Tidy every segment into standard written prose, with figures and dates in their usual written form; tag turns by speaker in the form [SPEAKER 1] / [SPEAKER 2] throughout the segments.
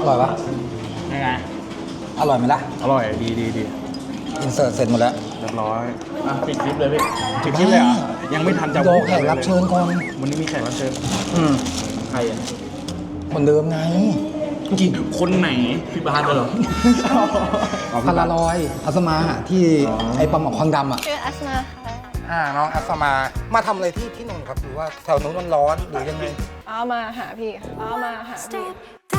[SPEAKER 1] ร่อยปะ
[SPEAKER 2] ยังไง
[SPEAKER 1] อร่อยไหมล่ะ
[SPEAKER 2] อร่อยดี
[SPEAKER 1] อินเสิร์ตเสร็จหมดแล้ว
[SPEAKER 2] เรียบร้อยปิดคลิปเลยพี่ปิดคลิปเลยเหรอยังไม่ทันจะ
[SPEAKER 1] รอแขกรับเชิญก่อน
[SPEAKER 2] วันนี้มีแขกรับเชิญใครอ่ะ
[SPEAKER 1] คนเดิมไง
[SPEAKER 2] กี่คนไหนพี่บาสเหรอ
[SPEAKER 1] พาราลอยอัสมาที่ไอ้ปลาหมอกควันดำอ่ะ
[SPEAKER 3] ชื่ออัสมาค่ะ
[SPEAKER 1] น้องอัสมาทำอะไรที่นนท์ครับหรือว่าแถวนู้นมันร้อนหรือยังไง
[SPEAKER 3] มาหาพี่มาหาพี่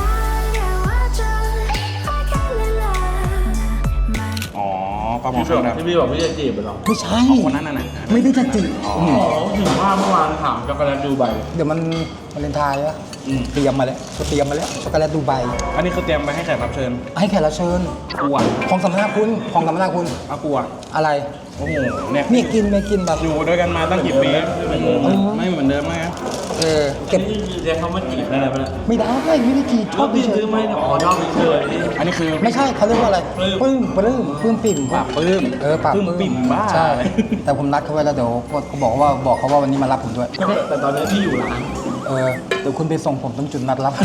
[SPEAKER 2] อ๋อปลาหมอที่พี่บอกพี่จะจีบเหรอ
[SPEAKER 1] ไม่ใช่
[SPEAKER 2] คนนั้นน่ะ
[SPEAKER 1] ไม่ได้จะจีบ
[SPEAKER 2] ถึงว่าเมื่อวานถามช็อกโกแลตดูไบ
[SPEAKER 1] เดี๋ยวมันเลนไทน์วะเตรียมมาแล้วช็อกโกแลตดูไบ
[SPEAKER 2] อันนี้คือเตรียมไปให้แขกรับเชิญ
[SPEAKER 1] ให้แขกรับเชิญ
[SPEAKER 2] กลัว
[SPEAKER 1] ของสัมภาษณ์คุณ
[SPEAKER 2] กลัว
[SPEAKER 1] อะไร
[SPEAKER 2] โอ้โหเนี่ย
[SPEAKER 1] ไม่กินแบบ
[SPEAKER 2] อยู่ด้วยกันมาตั้งกี่ปีไม่เหมือนเดิมไหม
[SPEAKER 1] เก็บ
[SPEAKER 2] เรียกเขามาจีบได้ไหม
[SPEAKER 1] ไม่ได้จีบชอบ
[SPEAKER 2] ซื้อไหมชอบเฉยอันนี้คือ
[SPEAKER 1] ไม่ใช่เขาเรียกว่าอะไรปลื้มปิ่ม
[SPEAKER 2] ปากปลื้ม
[SPEAKER 1] ปากปลื้มปิ่มบ้าใช่แต่ผมนัดเขาไว้แล้วเดี๋ยวเขาบอกว่าวันนี้มารับผมด้วย
[SPEAKER 2] แต่ตอนนี้พี่อยู่ร้าน
[SPEAKER 1] เดี๋ยวคุณไปส่งผมตรงจุดนัดรับ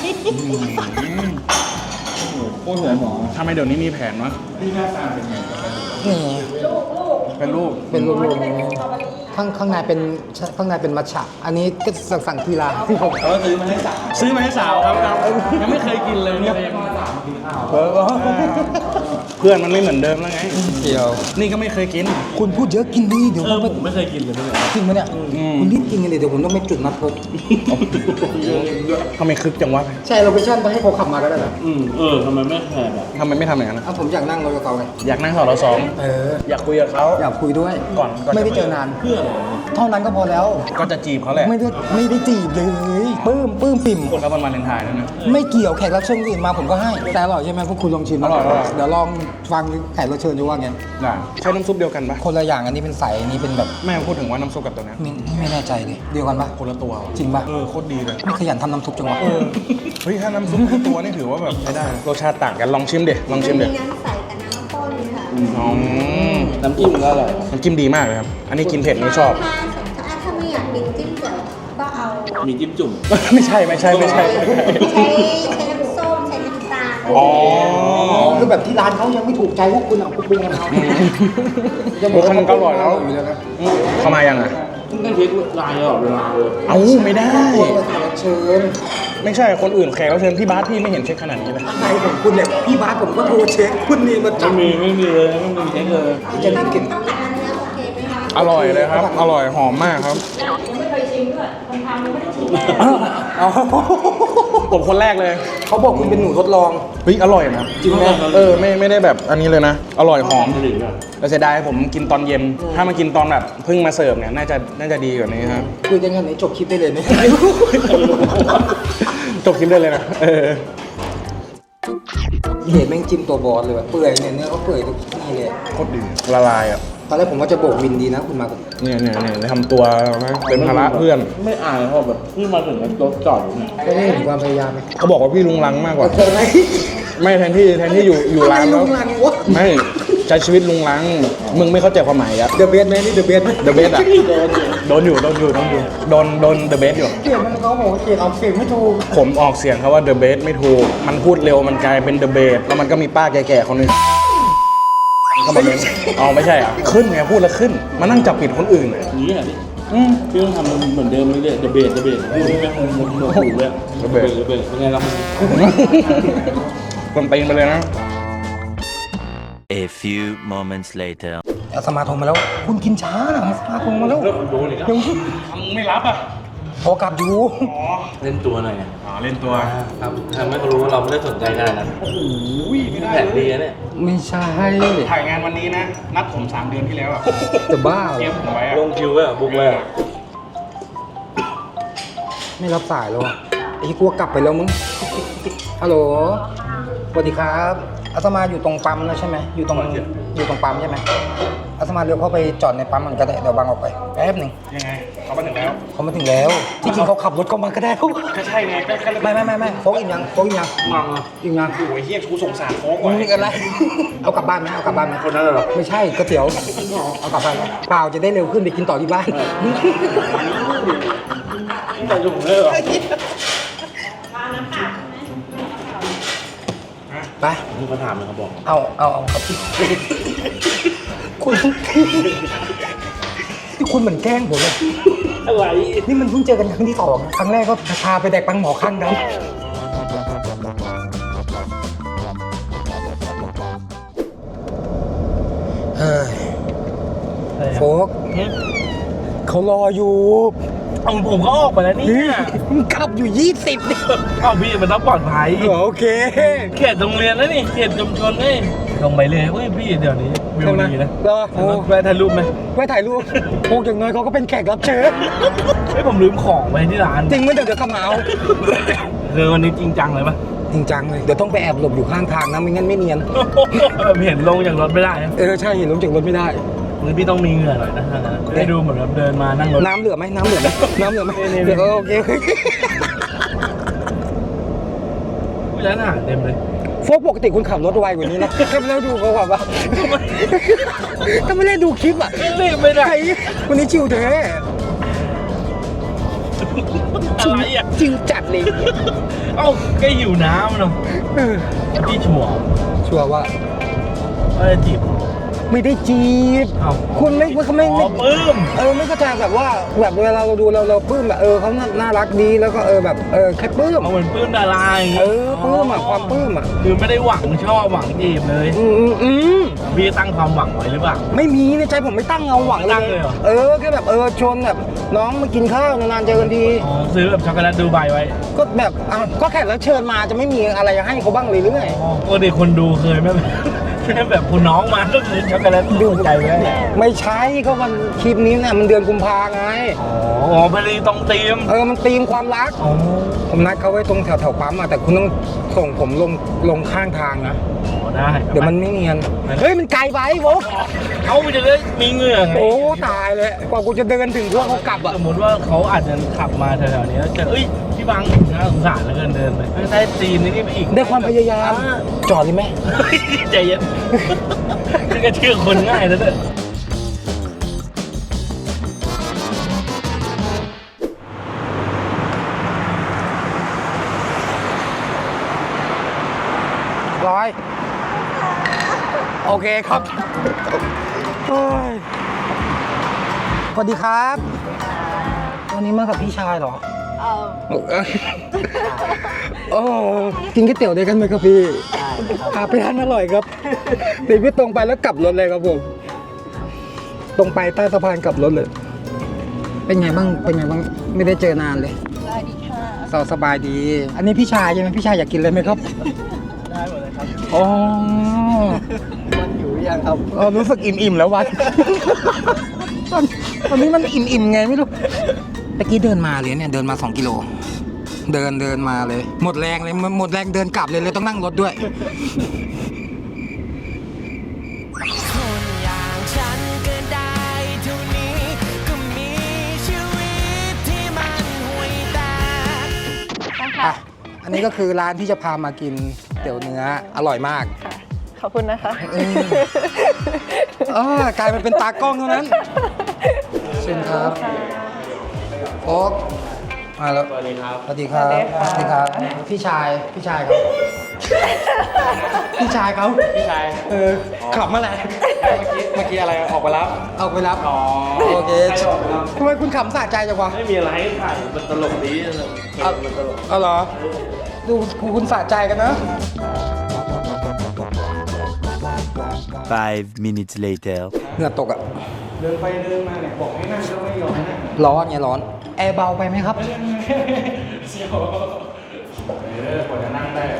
[SPEAKER 2] โอ้โหหมอทำไมเดี๋ยวนี้มีแผนวะพี่หน้าตาเป็นไง
[SPEAKER 1] นี่
[SPEAKER 2] เป็นลูก
[SPEAKER 1] ข้างในเป็นมัทฉะอันนี้ก็สั่งทีละ
[SPEAKER 2] ที่ผมซื้อมาให้สาวครับยังไม่เคยกินเลยเนี่ยเพื่อนมันไม่เหมือนเดิมแล้วไง
[SPEAKER 1] เดี๋ยว
[SPEAKER 2] นี่ก็ไม่เคยกิน
[SPEAKER 1] คุณพูดเยอะกินดีเดี๋ยว
[SPEAKER 2] ผมไม่เคยกินเลย
[SPEAKER 1] จริงไหมเนี่ยคุณรีบกินกันเลยเดี๋ยวผมต้องไปจุดนัดพบ
[SPEAKER 2] ทำไมคึกจังวะ
[SPEAKER 1] ใช่โลเคชั่นไปให้เขาขับมาก็ได้เหรอ
[SPEAKER 2] ทำไมไม่แคร์ทำไมไม่ทำอย่างนั้น
[SPEAKER 1] ผมอยากนั่งรถกับเขาไง
[SPEAKER 2] อยากนั่งสอสองอยากคุยกับเขา
[SPEAKER 1] อยากคุยด้วย
[SPEAKER 2] ก่อน
[SPEAKER 1] ไม่ได้เจอนาน
[SPEAKER 2] เพื่ออะไร
[SPEAKER 1] เท่านั้นก็พอแล้ว
[SPEAKER 2] ก็จะจีบเขาแหละ
[SPEAKER 1] ไม่ได้จีบเลยปลื้มปิ่ม
[SPEAKER 2] คนเขาเป็นวาเลนไทน์นั่นนะ
[SPEAKER 1] ไม่เกี่ยวแขกรับเชิญอื่นมาผมก็ให้แต่อร่อยใช่ไหมพวกคุณลองชิม
[SPEAKER 2] อร่อย
[SPEAKER 1] เดี๋ยวลองฟังแขกรับเชิญจะว่าไง
[SPEAKER 2] ได้ใช้น้ำซุปเดียวกันปะ
[SPEAKER 1] คนละอย่างอันนี้เป็นใสอันนี้เป็นแบบ
[SPEAKER 2] แม่พูดถึงว่าน้ำซุปกับตัวนี้
[SPEAKER 1] ไม่แน่ใจเลยเดียวกันปะ
[SPEAKER 2] คนละตัว
[SPEAKER 1] จริงปะ
[SPEAKER 2] โคตรดีเลย
[SPEAKER 1] ไม่ขยันทำน้ำซุปจังวะ
[SPEAKER 2] เฮ้ยถ้าน้ำซุปตัวนี่ถือว่าแบบใช้ได้รสชาติต่างกันลองชิมเดี๋ยว
[SPEAKER 3] น้ำใสกับน้ำข้นค่ะ
[SPEAKER 2] น้ำจิ้มก็อร่อยน้ำจิ้มดีมากเลยครับอันนี้กินเผ็ดไม่ชอบ
[SPEAKER 3] ถ้าไม่อยากมีจิ้มเจ๋อก็เอา
[SPEAKER 2] มีจิ้มจุ่มไม่ใช่ใช้น้ำส้ม
[SPEAKER 3] ใช้น้ำตาล
[SPEAKER 1] คือแบบที่ร้านเขายังไม่ถูกใจพวกคุณเอาปรุงกันเอา
[SPEAKER 2] พวกมันก็อร่อยแล้วเข้ามายังไงต้องเช็คลายตลอดเวลาเลยเอาไม่ได้
[SPEAKER 1] เชิญ
[SPEAKER 2] ไม่ใช่คนอื่นแขกรับเชิญพี่บาสพี่ไม่เห็นเช็คขนาดนี้เลย
[SPEAKER 1] ใครของคุณเนี่ยพี่บาสผมก็โทรเช็คคุณนี่มาจับ
[SPEAKER 2] ไม่มีเลยไม่มีเช็คเลย
[SPEAKER 1] จะกิน
[SPEAKER 2] อร่อยเลยครับอร่อยหอมมากครับ
[SPEAKER 3] ไม่เคยชิมด้วยคนทำยังไม่ได้ชิม
[SPEAKER 2] ผมคนแรกเลย
[SPEAKER 1] เขาบอกคุณเป็นหนูทดลอง
[SPEAKER 2] เฮ้ยอร่อยนะ
[SPEAKER 1] จริงไหม
[SPEAKER 2] ไม่ได้แบบอันนี้เลยนะอร่อยหอมแต่เสียดายผมกินตอนเย็นถ้ามากินตอนแบบเพิ่งมาเสิร์ฟเนี่ยน่าจะดีกว่านี้ครับ
[SPEAKER 1] คุยกันกันไหนจบคลิปได้เลยไหม
[SPEAKER 2] จบคลิปได้เลยนะ
[SPEAKER 1] เห็นแม่งจิ้มตัวบอสเลยแบบเปื่อยเนี่ยเนื้อเขาเปื่อยทุกที่เลย
[SPEAKER 2] โคตรดีละลายอ่ะ
[SPEAKER 1] ตอนแรกผมว่าจะโบกวินดีนะคุณมา
[SPEAKER 2] เนี่ยทำตัวเป็นภาระเพื่อน
[SPEAKER 4] ไม่อายเพราะแบบพี่มาถึงรถจอดอยู่เนี่ย
[SPEAKER 1] ก็ไม่เห็นความพยายามไหม
[SPEAKER 2] เขาบอกว่าพี่ลุงลังมากกว่าไม่แทนที่อยู่ร้านแล้วไม่ใช้ชีวิตลุงลังมึงไม่เข้าใจความหมายอะ
[SPEAKER 1] เดอะเบสไหมนี่เดอะเบสไหม
[SPEAKER 2] เดอะเบสอะโดนเดอะเบสอยู่
[SPEAKER 1] เขียนมันเขาบอกว่าเขียนออกเสียงไม่ถูก
[SPEAKER 2] ผมออกเสียงเขาว่าเดอะเบสไม่ถูกมันพูดเร็วมันกลายเป็นเดอะเบสแล้วมันก็มีป้าแก่ๆคนนึงก็มาเล่นไม่ใช่อ่ะขึ้นไงพูดแล้วขึ้นมานั่งจับผิดคนอื่นอ่ะ
[SPEAKER 4] นี่อ่ะพี่ต้องทำเหมือนเดิมเลยเดอะเบสพูดไม่แม่งมันถูกเลยเดอะเบสเป็นไงล่ะ
[SPEAKER 2] คนตีนไปเลยนะ
[SPEAKER 5] A few moments later
[SPEAKER 1] สมาคมมาแล้วคุณกินช้านะสมาคมมาแล้ว
[SPEAKER 2] ยังไม่รับอ่ะ
[SPEAKER 1] โทรกลับอยู่
[SPEAKER 4] เล่นตัวหน่อย
[SPEAKER 2] เล่นตัว
[SPEAKER 4] ครับทำให้เขารู้ว่าเราไม่ได้สนใจขนาดนั้น
[SPEAKER 2] โอ้โหไม่ได้
[SPEAKER 4] แผนดีนะเนี่ย
[SPEAKER 1] ไม่ใช่
[SPEAKER 2] ถ่ายงานวันนี้นะนัดผม3 เดือนที่แล้วอ่ะ
[SPEAKER 1] จะบ้า
[SPEAKER 2] เตรียมผมไว้
[SPEAKER 4] ลงคิวไว้บุ๊กไว้
[SPEAKER 1] ไม่รับสายแล้วอ่ะไอ้กลัวกลับไปแล้วมึงฮัลโหลสวัสดีครับอาตมาอยู่ตรงปั๊มแล้วใช่ไหมอยู่ตรงปั๊มใช่ไหมอาตมาเร็วเข้าไปจอดในปั๊มมันก็ได้เดี๋ยวบังออกไปแป๊บหนึ่ง
[SPEAKER 2] ยังไงเขามาถึงแล้ว
[SPEAKER 1] ที่จริงเขาขับรถเข้ามาก็ได้
[SPEAKER 2] ก็ใช่ไง
[SPEAKER 1] ไม่โฟกอีกยัง
[SPEAKER 2] มัง
[SPEAKER 1] โ
[SPEAKER 2] อ้ยเฮียกูสงสารโฟกว่ะ
[SPEAKER 1] นี่กันไรเอากลับบ้านไหม
[SPEAKER 2] คนนั้นเหรอ
[SPEAKER 1] ไม่ใช่ก๋วยเตี๋ยวเอากลับบ้านเปล่าจะได้เร็วขึ้นไปกินต่อที่บ้าน
[SPEAKER 4] แต่ยุ่งเลยเหรอ
[SPEAKER 1] ไป
[SPEAKER 4] ที่เขาถามเลยเขาบอก
[SPEAKER 1] เอาครับคุณที่คุณเหมือนแกล้งผมเลย
[SPEAKER 4] อะไร
[SPEAKER 1] นี่มันเพิ่งเจอกันครั้งที่สองครั้งแรกก็พาไปแดกปังหมอข้างกันเฮ้ยโฟกเขารออยู่
[SPEAKER 4] เอาผมก็ออกไปแล้วเนี่ย
[SPEAKER 1] ขับอยู่20นี่
[SPEAKER 4] เอาพี่มันต้องปลอดภัย
[SPEAKER 1] โอเค
[SPEAKER 4] เขตโรงเรียนแล้วนี่เขตชุมชนนี่ลงไปเลยเฮ้ยพี่เดี๋ยวนี้วิวดีนะ
[SPEAKER 1] รอโอ้
[SPEAKER 4] แวะถ่ายรูปไหม
[SPEAKER 1] ไว้ถ่ายรูปโฟกอย่างน้อยเขาก็เป็นแขกรับเชิญ
[SPEAKER 4] เฮ้ยผมลืมของไว้ที่ร้าน
[SPEAKER 1] จริงไหมเดี๋ยวกลับมาเอา
[SPEAKER 4] วันนี้จริงจังเลยปะ
[SPEAKER 1] จริงจังเลย เดี๋ยวต้องไปแอบหลบอยู่ข้างทางนะไม่งั้นไม่เนียน
[SPEAKER 4] แบบเห็นลงจากรถไม่ได้นะ
[SPEAKER 1] ใช่เห็นลงจากรถไม่ได้
[SPEAKER 4] งั้นพี่ต้องมีเหงื่อหน่อยนะให้ดูเหมือนแบบเดินมานั่งรถ
[SPEAKER 1] น้ำเหลือไหมน้ำเหลือไหมน้ำเหลือไหม
[SPEAKER 4] นี่
[SPEAKER 1] เดี๋ยวโอเค
[SPEAKER 4] ร้านอาหารเต็มเลย
[SPEAKER 1] โฟกปกติคุณขับรถไวกว่านี้นะก็ไม่ได้ดูเขาแบบว่าก็ไม่ได้ดูคลิปอ่ะ
[SPEAKER 4] รีบไม่ได้
[SPEAKER 1] ไอ้วันนี้ชิวเท้
[SPEAKER 4] อะไรอ่ะ
[SPEAKER 1] ชิวจัดเลย
[SPEAKER 4] เอ้าแกหิวน้ำเนาะ
[SPEAKER 1] เออ
[SPEAKER 4] พี่ชัวร์
[SPEAKER 1] ชัวร์ว่า
[SPEAKER 4] ว่าจะจีบ
[SPEAKER 1] ไม่ได้จีบ
[SPEAKER 4] เอ้า
[SPEAKER 1] คุณไม่เขาไม่
[SPEAKER 4] อ๋อปลื้ม
[SPEAKER 1] ไม่เข้าใจแบบว่าแบบเวลาเราดูเราปลื้มแบบเขาน่ารักดีแล้วก็แบบแค่ปลื้ม
[SPEAKER 4] เอาเหมือนปลื้มดาราอย่างงี้
[SPEAKER 1] ปลื้มอ่ะความปลื้มอ่ะ
[SPEAKER 4] คือไม่ได้หวังชอบหวังจีบเลย
[SPEAKER 1] ม
[SPEAKER 4] พี่ตั้งความหวังไว้หรือเปล่า
[SPEAKER 1] ไม่มีในใจผมไม่ตั้งเงาหวัง
[SPEAKER 4] ตั้งเลยเหรอ
[SPEAKER 1] แค่แบบชวนแบบน้องมากินข้าวนานๆเจอกันที
[SPEAKER 4] อ๋อซื้อแบบช็อกโกแลตดูไบไว้
[SPEAKER 1] ก็แบบก็แค่แล้วเชิญมาจะไม่มีอะไรให้เขาบ้างเลยหรือไง
[SPEAKER 4] อ๋อปกติคนดูเคยไหม แค่แบบคุณน้องมาก็คือช็อกโกแลตดูใจไว้
[SPEAKER 1] ไม่ใช่ก็มันคลิปนี้เนี่ยมันเดือนกุมภาไง
[SPEAKER 4] อ๋อพอดีตรงธีม
[SPEAKER 1] มันธีมความรัก
[SPEAKER 4] อ๋อ
[SPEAKER 1] ผมนัดเขาไว้ตรงแถวปั๊มแต่คุณต้องส่งผมลงข้างทางนะ
[SPEAKER 4] ได้
[SPEAKER 1] เดี๋ยวมันไม่เนียนเฮ้ยมันไกลไปโวก
[SPEAKER 4] เขาจะได้มีเหงื่อไง
[SPEAKER 1] โอ้ตายเลยกว่ากูจะเดินถึงพวกเขากลับอ่ะ
[SPEAKER 4] สมมติว่าเขาอาจจะขับมาแถวๆนี้แล้วเจอเอ้ยพี่บังน่าสงสารเหลือเกินเดินไปใต้ตีนนี่ไปอีก
[SPEAKER 1] ได้ความพยายาม จอดเลยไหม
[SPEAKER 4] ใจเย็นนี่ก็เชื่อคนง่ายแล้วเนี่ย
[SPEAKER 1] ร้อยโอเคครับโอ้ยสวัสดีครับวันนี้มากับพี่ชายเหรอโอ้กินก๋วยเตี๋ยวด้วยกันไหมครับพี่พาไปร้านอร่อยครับเดี๋ยวพี่ตรงไปแล้วกลับรถเลยครับผมตรงไปใต้สะพานกลับรถเลย เป็นไงบ้างไม่ได้เจอนานเลยสบายดีค่ะสบายดี อันนี้พี่ชายใช่ไหมพี่ชายอยากกินเลยไหมครับ
[SPEAKER 4] ได้หมดเลยครับ
[SPEAKER 1] อ๋อ
[SPEAKER 4] มันอยู่ยังครับ
[SPEAKER 1] รู้สึกอิ่มๆแล้ววัน ตอนนี้มันอิ่มๆไงไม่รู้ตะกี้เดินมาเลยเนี่ยเดินมา2 กิโลเดินมาเลยหมดแรงเดินกลับเลยต้องนั่งรถด้วย
[SPEAKER 6] คนอย่างฉันก็ได้เท่านี้ก็มีชีวิตที่มันห่วยแตก
[SPEAKER 1] อ่ะอันนี้ก็คือร้านที่จะพามากินเตี๋ยวเนื้ออร่อยมาก
[SPEAKER 7] ขอบคุณนะคะ
[SPEAKER 1] กลายมาเป็นตากล้องเท่านั้นเชิญครับโอ๊กมาแล้วสวัสดีครับสวัสดีครับพี่ชายครับพี่ชายขับมาแหละ
[SPEAKER 2] เมื่อกี้อะไรออกไปรับ
[SPEAKER 1] เอาไปรับ
[SPEAKER 2] อ๋อ
[SPEAKER 1] โอเคทำไมคุณขำสะใจจังวะ
[SPEAKER 4] ไม่มีอะไรให้ถ่ายมันตลกดีมันตลก
[SPEAKER 1] เอาเหรอดูคุณสะใจกันนะ
[SPEAKER 5] 5 minutes later.
[SPEAKER 1] เหงื่อตกอ่ะ
[SPEAKER 2] เดินไปเดินมาเนี่ยบอกให้นั่งก็ไม่ยอมนั่ง
[SPEAKER 1] ร้อนไงร้อนแอร์เบาไปไหมครับ
[SPEAKER 2] เสียวกว่าจะนั่งได้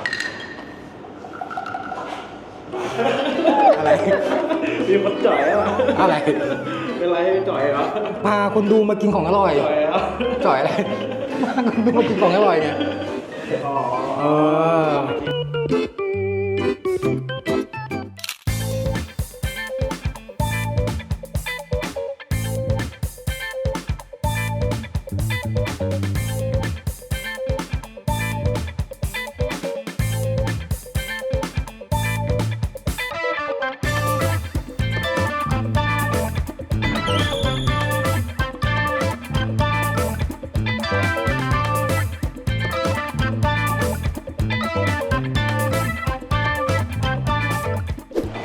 [SPEAKER 1] อะไร
[SPEAKER 4] มีคนจ่อยแล้ว
[SPEAKER 1] อะไร
[SPEAKER 4] เป็นไรจ่อยเหรอ
[SPEAKER 1] พาคนดูมากินของอร่อย
[SPEAKER 4] จ่อยแล้ว
[SPEAKER 1] จ่อยอะไรพาคนดูมากินของอร่อยไง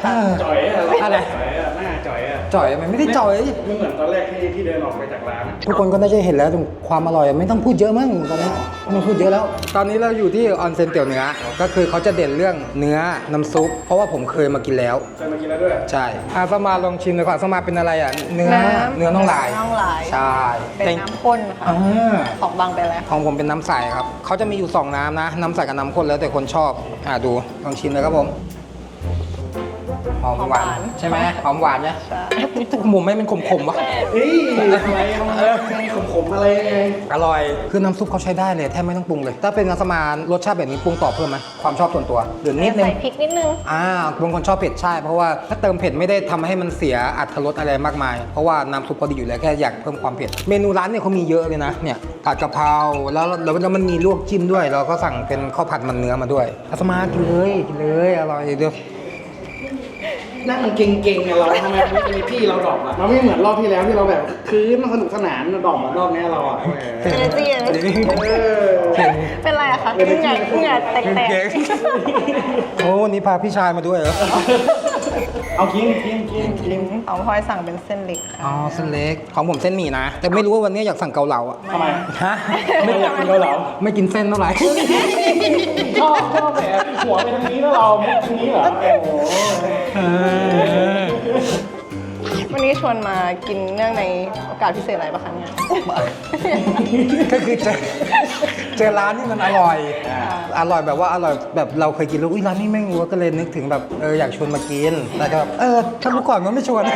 [SPEAKER 2] ค่ะจ่อยอะ
[SPEAKER 1] อะไร
[SPEAKER 2] จ่อยอะหน้าจ่อยอะ
[SPEAKER 1] จ่อยมันไม่ได้จ่อย
[SPEAKER 2] ไม่เหมือนตอนแรกที่เดินออกไปจากร้านอะ
[SPEAKER 1] ทุกคนก็น่าจะเห็นแล้วความอร่อยไม่ต้องพูดเยอะมั้งตอนนี้ไม่ต้องพูดเยอะแล้ว ตอนนี้เราอยู่ที่ออนเซ็นเตี๋ยวเนื้อก็คือเขาจะเด่นเรื่องเนื้อน้ำซุปเพราะว่าผมเคยมากินแล้ว
[SPEAKER 2] เคยมากินแล้วด้วย
[SPEAKER 1] ใช่อาสมาลองชิมเลยก่อนสมาเป็นอะไรอ่ะเนื้อน่องลาย
[SPEAKER 7] น่องลาย
[SPEAKER 1] ใช่
[SPEAKER 7] เป็นน้ำข้นค่ะ
[SPEAKER 1] อ่า
[SPEAKER 7] ของบางเป็นอะไร
[SPEAKER 1] ของผมเป็นน้ำใสครับเขาจะมีอยู่ 2 น้ำนะ น้ำใสกับน้ำข้นแล้วแต่คนชอบดูลองชิมเลยครับผมหอมหวานใช่ไหมหอมหวานเนี่ยหมูไม่เป็นขมๆวะ
[SPEAKER 2] เฮ้ยอะไรขมๆอะไรยังไง
[SPEAKER 1] อร่อยคือน้ำซุปเขาใช้ได้เลยแทบไม่ต้องปรุงเลย ถ้าเป็นน้ำสมานรสชาติแบบนี้ปรุงต่อเพิ่มไหมความชอบส่วนตัวหรือนิดนึง
[SPEAKER 7] ใส่พริกนิดนึง
[SPEAKER 1] บางคนชอบเผ็ดใช่เพราะว่าถ้าเติมเผ็ดไม่ได้ทำให้มันเสียอรรถรสอะไรมากมาย เพราะว่าน้ำซุปพอดีอยู่แล้วแค่อยากเพิ่มความเผ็ดเมนูร้านเนี่ยเขามีเยอะเลยนะเนี่ยผัดกะเพราแล้วมันมีลวกจิ้มด้วยเราก็สั่งเป็นข้าวผัดมันเนื้อมาด้วยอาสมากินเลยอร่อยเดี๋ยว
[SPEAKER 2] นั่งเก่งๆอะเราทำไมไม่เป็นพี่เราดรอปอะมันไม่เหมือนรอบที่แล้วที่เราแบบคือมันสนุกสนานดรอปอะรอบนี้เราอะแหม
[SPEAKER 7] เอเนจี เป็นไรอะคะเหงื่อแตก
[SPEAKER 1] โอ้วันนี้พาพี่ชายมาด้วยเหรอ
[SPEAKER 2] เอากิน
[SPEAKER 7] ๆของพลอยสั่งเป็นเส้นเล็กค่ะ
[SPEAKER 1] อ๋อเส้นเล็กของผมเส้นหมี่นะ แต่ไม่รู้ว่าวันนี้อยากสั่งเกาเหลาอ่ะ
[SPEAKER 2] ทำไม
[SPEAKER 1] ฮะ
[SPEAKER 2] ไม่อยากกินเกาเหลา
[SPEAKER 1] ไม่กินเส้นเท่าไหร่
[SPEAKER 2] ชอบแหมหัวไปทางนี้แล้วเราไม่ทางนี้เหรอโอ้โห
[SPEAKER 7] วันนี้ชวนมากินเนื่องในโอกาสพิเศษอะไรปะคะเนี่ย
[SPEAKER 1] ก็คือเจอร้านที่มันอร่อยแบบว่าอร่อยแบบเราเคยกินแล้วอุ้ยร้านนี้แม่งวัวก็เลยนึกถึงแบบอยากชวนมากินแต่ก็แบบถ้ารู้ก่อนมันไม่ชวน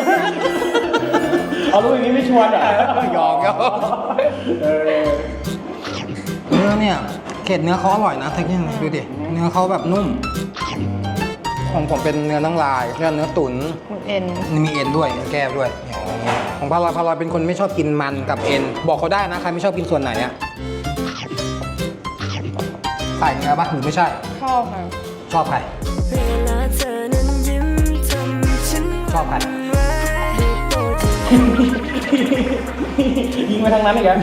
[SPEAKER 2] เอาลูกอย่างนี้ไม่ชวนเหรอ
[SPEAKER 1] หยอกเนื้อเนี่ยเกล็ดเนื้อเขาอร่อยนะทั้งนี้ดูดิเนื้อเขาแบบนุ่มของผมเป็นเนื้อน่องลายเนื้อตุ๋น
[SPEAKER 7] เอ็น
[SPEAKER 1] มีเอ็นด้วยแก้วด้วยของพาราเป็นคนไม่ชอบกินมันกับเอ็นบอกเขาได้นะใครไม่ชอบกินส่วนไหนอะใส่เนื้อปะหรือไม่ใช่
[SPEAKER 7] ชอบค่ะ
[SPEAKER 1] ชอบใครชอบใคร
[SPEAKER 2] ยิงไปทางนั้นอีกแล้ว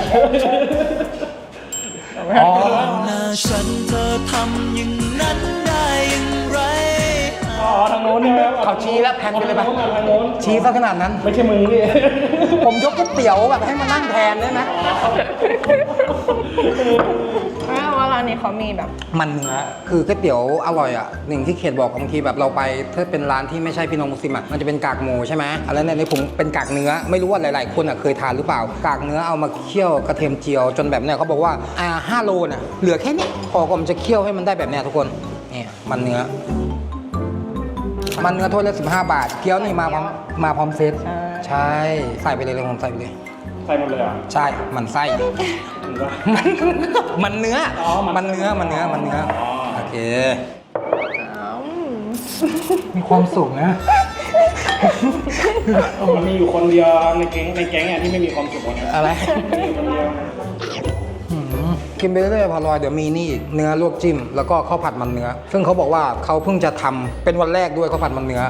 [SPEAKER 1] อ๋อ
[SPEAKER 6] ฉันเธอทำอย่างนั้นได้อย่างไร
[SPEAKER 2] อ๋อทางโน้นใช่ไหม
[SPEAKER 1] เขาชี้แล้วแพนไปเลยปะ
[SPEAKER 2] ทางโน้น
[SPEAKER 1] ชี้ซะขนาดนั้น
[SPEAKER 2] ไม่ใช่มึงนี่
[SPEAKER 1] ผมยกก๋วยเตี๋ยวแบบให้มานั่งแทนได้ไหม
[SPEAKER 7] เพราะว่าร้านนี้เขามีแบบ
[SPEAKER 1] มันเนื้อคือก๋วยเตี๋ยวอร่อยอ่ะหนึ่งที่เขตบอกบางทีแบบเราไปถ้าเป็นร้านที่ไม่ใช่พี่น้องมุสลิมอ่ะมันจะเป็นกากหมูใช่ไหมอะไรเนี่ยในผมเป็นกากเนื้อไม่รู้ว่าหลายๆคนอ่ะเคยทานหรือเปล่ากากเนื้อเอามาเคี่ยวกระเทียมเจียวจนแบบเนี่ยเขาบอกว่า5 โลน่ะเหลือแค่นี้พอก็มันจะเคี่ยวให้มันได้แบบเนี้ยทุกคนเนี่ยมันเนื้อถ้วยละ15 บาทเกี๊ยวนี่มาพร้อมเซตใช่ใส่ไปเลยผมใส่ไปเลย
[SPEAKER 2] ใส่หมดเลยอ่ะ
[SPEAKER 1] ใช่มันไส้
[SPEAKER 2] ถึงว่า
[SPEAKER 1] มันเนื้อ
[SPEAKER 2] อ๋อ
[SPEAKER 1] มันเนื้อโอเค
[SPEAKER 7] อ้าว
[SPEAKER 1] มีความสุขนะ
[SPEAKER 2] มันมีอยู่คนเดียวในแก๊งอ่ะที่ไม่มีความสุขนะ
[SPEAKER 1] อะไร
[SPEAKER 2] มีคนเดียว
[SPEAKER 1] กินไปเรื่อยๆพอลอยเดี๋ยวมีนี่อีกเนื้อลวกจิ้มแล้วก็ข้าวผัดมันเนื้อ ซึ่งเขาบอกว่าเขาเพิ่งจะทำเป็นวันแรกด้วยข้าวผัดมันเนื้อ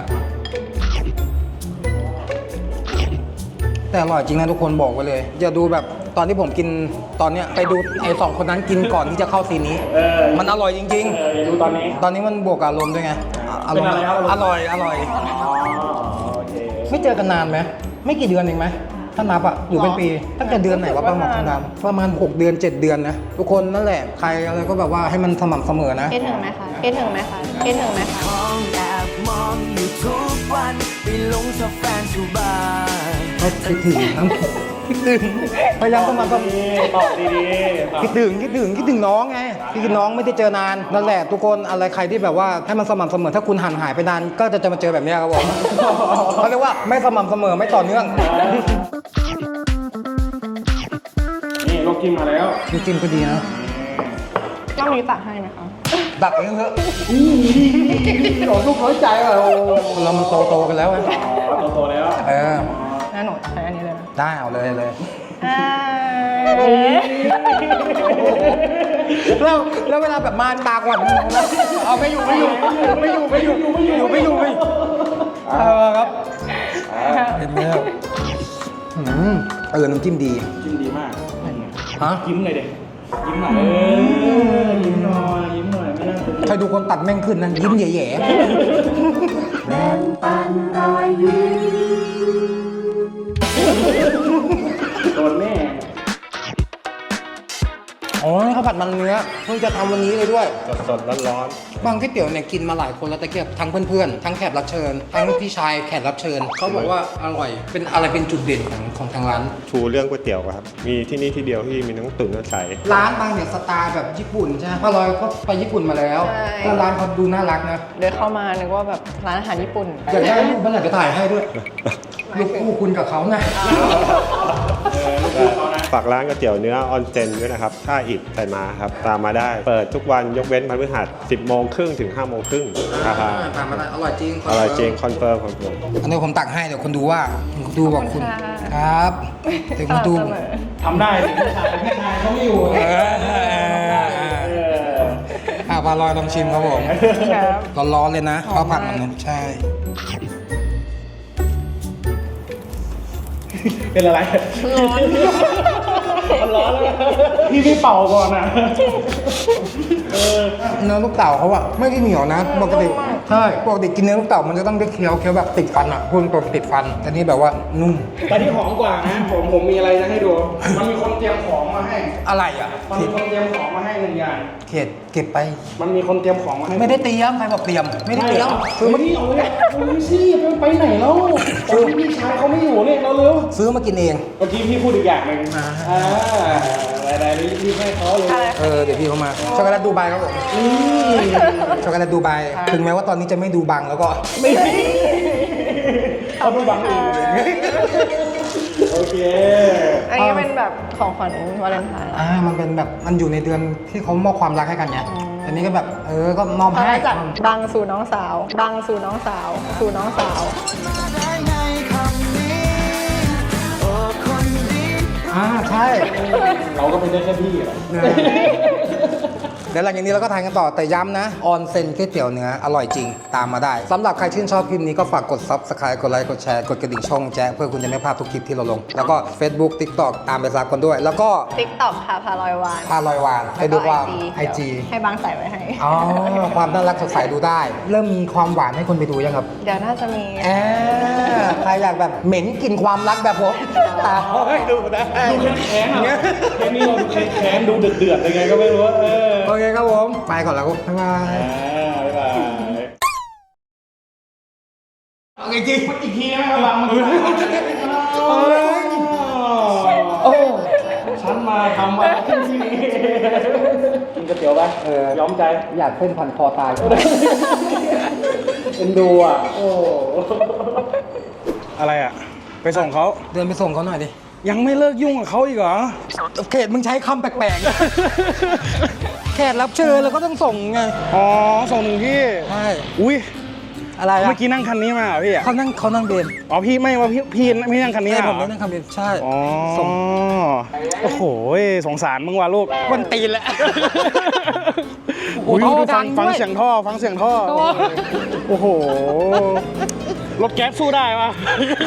[SPEAKER 1] แต่อร่อยจริงนะทุกคนบอกไว้เลยอย่าดูแบบตอนที่ผมกินตอนเนี้ยไปดูไอ้2 คนนั้นกินก่อนที่จะเข้าซีนนี้ มันอร่อยจริง
[SPEAKER 2] อย่าดูตอนนี้
[SPEAKER 1] ๆ ตอนนี้มันบวกกับอารมณ์ด้วยไงอารมณ์
[SPEAKER 2] เป็นอะไรครับ
[SPEAKER 1] อร่อย
[SPEAKER 2] อ๋อโอเค
[SPEAKER 1] ไม่เจอกันนานไหมไม่กี่เดือนเองไหมถ้านับอะอยู่เป็นปีตั้งแต่เดือนไหนวะประมาณ6 เดือน 7 เดือนนะทุกคนนั่นแหละใครอะไรก็แบบว่าให้มันสม่ำเสมอนะ
[SPEAKER 7] คิดถึงไหมคะคิดถึงไหมคะคิดถึงไหมคะ
[SPEAKER 6] มองแอบมองอยู่ทุกวันไปหลงชอบแฟนชูบ้าน
[SPEAKER 1] คิดถึงครับคิดถึงพยายามสม่ำเสมอ
[SPEAKER 2] ตอบดีๆตอบ
[SPEAKER 1] คิดถึงน้องไงคิดถึงน้องไม่ได้เจอนานนั่นแหละทุกคนอะไรใครที่แบบว่าให้มันสม่ำเสมอถ้าคุณห่างหายไปนานก็จะมาเจอแบบเนี้ยครับผมเขาเรียกว่าไม่สม่ำเสมอไม่ต่อเนื่อง
[SPEAKER 2] นี่ลูกจิ้มมาแล้ว
[SPEAKER 1] จริงๆก็ดีนะ
[SPEAKER 7] ต้องมีตักให้ไหมคะ
[SPEAKER 1] ดักเองเถอะ
[SPEAKER 2] โอ้ลูกน้อยใจว่ะโอ้
[SPEAKER 1] คนเรามันโตกันแล้วไง
[SPEAKER 2] โตแล้ว
[SPEAKER 1] เออ
[SPEAKER 7] งั้นหนูใช้อันนี้เลยนะ
[SPEAKER 1] ได้เอาเลยแล้วเวลาแบบมาตากว่าเอาไม่อยู่ครับเห็นไหมครับน้ำจิ้มดี
[SPEAKER 2] จิ้มดีมาก
[SPEAKER 1] ฮะ
[SPEAKER 2] ยิ้มหน่อยเด็กยิ้มหน่อยยิ้มหน่อย
[SPEAKER 1] ใครดูคนตัดแม่งขึ้นนะยิ้มแย่ๆ
[SPEAKER 4] โดนแม่
[SPEAKER 1] อ๋อข้าวผัดมันเนื้อเพิ่งจะทำวันนี้เลยด้วย
[SPEAKER 4] สดๆร้อน
[SPEAKER 1] บางก๋วยเตี๋ยวเนี่ยกินมาหลายคนแล้วตะเกียบทั้งเพื่อนๆทั้งแขกรับเชิญทั้งพี่ชายแขกรับเชิญเขาบอกว่าอร่อยเป็นอะไรเป็นจุดเด่นของทางร้าน
[SPEAKER 8] ชูเรื่องก๋วยเตี๋ยวครับ มีที่นี่ที่เดียวที่มีทั้งตุ๋นทั้งใส
[SPEAKER 1] ร้านบางเนี่ยสไตล์แบบญี่ปุ่นใช่ไหมป้าลอยก็ไปญี่ปุ่นมาแล้ว
[SPEAKER 7] ใช่
[SPEAKER 1] แล้วร้านเขาดูน่ารักนะ
[SPEAKER 7] เดินเข้ามานึกว่าแบบร้านอาหารญี่ปุ่น
[SPEAKER 1] อยากได้รูปเมื่อไหร่จะถ่ายให้ด้วยรูปคู่คุณกับเขานะ
[SPEAKER 8] ฝากร้านก๋วยเตี๋ยวเนื้อออนเซนด้วยนะครับท่าอิฐไซมาครับ ตามมาได้ เปิดทุกวันยกเว้นพฤหัส 10 โมงครึ่งถึง 5 โมงครึ่งครับ
[SPEAKER 1] ตามมาได้อร่อยจริง
[SPEAKER 8] อร่อยจริงคอนเฟิร์มครับผม
[SPEAKER 1] อันนี้ผมตักให้เดี๋ยวคนดูว่าคุณดูบอกคุณ
[SPEAKER 7] ขอบคุณค่ะ
[SPEAKER 1] ครับเดี๋ยวคุณดู
[SPEAKER 7] สม่ำเสมอ
[SPEAKER 4] ๆทำได้สิพี่ชายเขาไม่อยู่
[SPEAKER 1] ปลาลอยลองชิมครับผม
[SPEAKER 7] ครับ
[SPEAKER 1] ร้อนๆเลยนะข้าวผัดมันเนี่ยใช่
[SPEAKER 4] เป็นอะไร
[SPEAKER 7] ร้อน
[SPEAKER 4] มันร้อนแล้วพี่ไม่เป่าก่อนอ่ะ
[SPEAKER 1] เนื้อลูกเต่าเขาอะไม่ได้เหนียวนะปกติใช่ปกติกินเนื้อลูกเต่ามันจะต้องได้เคี้ยวแบบติดฟันอะคุณตัวติดฟันแต่นี่แบบว่านุ่ม
[SPEAKER 2] แต่ที่หอมกว่านะผมมีอะไรจะให้ดู มันมีคนเตรียมของมาให้
[SPEAKER 1] อะไรอะ
[SPEAKER 2] มันมีคนเตรียมของมาให้หนึ่งอย่าง
[SPEAKER 1] เข็ดเก็บไป
[SPEAKER 2] มันมีคนเตรียมของมาให้
[SPEAKER 1] ไม่ได้เตรียมใครบอกเตรียมไม่ได้เตรียม
[SPEAKER 2] ซื้อมาที่เอาไว้เอาไว้สิไปไหนแล้วตอนที่พี่ชายเขาไม่อยู่เรียกเราเร็ว
[SPEAKER 1] ซื้อมากินเอง
[SPEAKER 2] เมื่อกี้พี่พูดอีกอย่างหนึ่งอะไรๆรีบให้เขาเลย
[SPEAKER 1] เดี๋ยวพี่เขามาช็อกโกแลตดูไบครับผมช็อกโกแลตดูไบถึงแม้ว่าตอนนี้จะไม่ดูบังแล้วก็
[SPEAKER 2] ไม่เขาดูบังเองโอเค
[SPEAKER 7] อันนี้เป็นแบบของขวัญวาเลนไทน์
[SPEAKER 1] มันเป็นแบบมันอยู่ในเดือนที่เขามอบความรักให้กันไงอันนี้ก็แบบก็มอบ
[SPEAKER 7] เขา
[SPEAKER 1] ให้
[SPEAKER 7] ได้จากบังสู่น้องสาว บังสู่น้องสาว สู่น้องสาว
[SPEAKER 1] ใช่
[SPEAKER 2] เราก็เป็นได้แค่พี่อะ
[SPEAKER 1] เดี๋ยวหลังจากนี้เราก็ทานกันต่อแต่ย้ำนะออนเซ็นก๋วยเตี๋ยวเนื้ออร่อยจริงตามมาได้สำหรับใครชื่นชอบคลิปนี้ก็ฝากกด Subscribe กดไลค์กดแชร์กดกระดิ่งช่องแจ๊เพื่อคุณจะไม่พลาดทุกคลิปที่เราลง แล้วก็ Facebook TikTok ตามไปซับกันด้วย แล้วก็
[SPEAKER 7] TikTok ค่ะพาลอยวาน
[SPEAKER 1] พาลอยวานไปดูว่าไอจี
[SPEAKER 7] ให้บังใส่ไว้ให้
[SPEAKER 1] อ๋อความน่ารักสดใสดูได้ เริ่มมีความหวานให้คนไปดูยังครับ
[SPEAKER 7] เดี๋ยวน่าจะมี
[SPEAKER 1] ใครอยากแบบเหม็นกลิ่นความรักแบบผมดูได้
[SPEAKER 2] ดูแค้นๆอ่ะแค่นี้เราดูแค้นๆดูเดือดๆยังไงก็ไม่รู้
[SPEAKER 1] โอเคครับผมไปก่อนแล้วบ๊ายบาย
[SPEAKER 2] บ๊ายบาย
[SPEAKER 1] โอเคจริง
[SPEAKER 2] อีกทีไหมครับบังมันฉันมาทำอะไรที่นี่กินก๋วยเตี๋ยวไปยอมใจ
[SPEAKER 1] อยากเส้นพันคอตาย
[SPEAKER 2] เอ็นดูอ่ะโอ้อะไรอ่ะไปส่งเขา
[SPEAKER 1] เดินไปส่งเขาหน่อยดิ
[SPEAKER 2] ยังไม่เลิกยุ่งกับเขาอีกเหรอ
[SPEAKER 1] เขตมึงใช้คำแปลกๆ แขกรับเชิญแล้วก็ต้องส่งไง
[SPEAKER 2] อ๋อส่งถึงที่
[SPEAKER 1] ใช่
[SPEAKER 2] อุ้ย
[SPEAKER 1] อะไรอะ
[SPEAKER 2] เมื่อกี้นั่งคันนี้มาเหรอพี่อ่ะ
[SPEAKER 1] เขานั่งเบน
[SPEAKER 2] อ๋อพี่ไม่ว่าพี่ไม่นั่งคันนี้
[SPEAKER 1] ใช่
[SPEAKER 2] เหร
[SPEAKER 1] ผม
[SPEAKER 2] อ
[SPEAKER 1] ไม่นั่งคำเบนใช่
[SPEAKER 2] อ๋อ
[SPEAKER 1] ส่ง
[SPEAKER 2] โอ้โหสงสารมึงว่ะลูก
[SPEAKER 1] วันตีนแล้ว
[SPEAKER 2] อุ้ย
[SPEAKER 1] โอ้โห
[SPEAKER 2] ดู
[SPEAKER 1] ดั
[SPEAKER 2] ฟั
[SPEAKER 1] ง
[SPEAKER 2] ง
[SPEAKER 1] ด้วย
[SPEAKER 2] เสียงท่อฟังเสียงท่อ โอ้โห รถแก๊สสู้ได้ปะ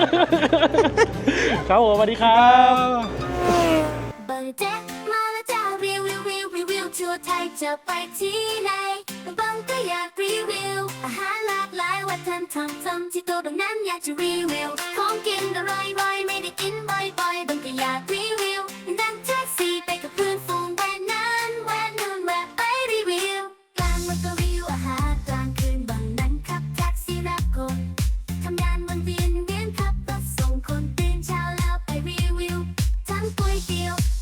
[SPEAKER 2] ครับผมสวัสดีครับ
[SPEAKER 9] บางแจ๊กมาแล้วจ้ารีวิวทั่วไทยจะไปที่ไหนบางก็อยากรีวิวอาหารหลากหลายวัฒนธรรมที่ตัวบางนั้นอยากจะรีวิวของกินอร่อยไม่ได้กินบ่อยบางก็อยากรีวิวนั่งแท็กซี่ไปกับเพื่อนฝูงแวะนั้นแวะนู่นแวะไปรีวิวกลางมันก็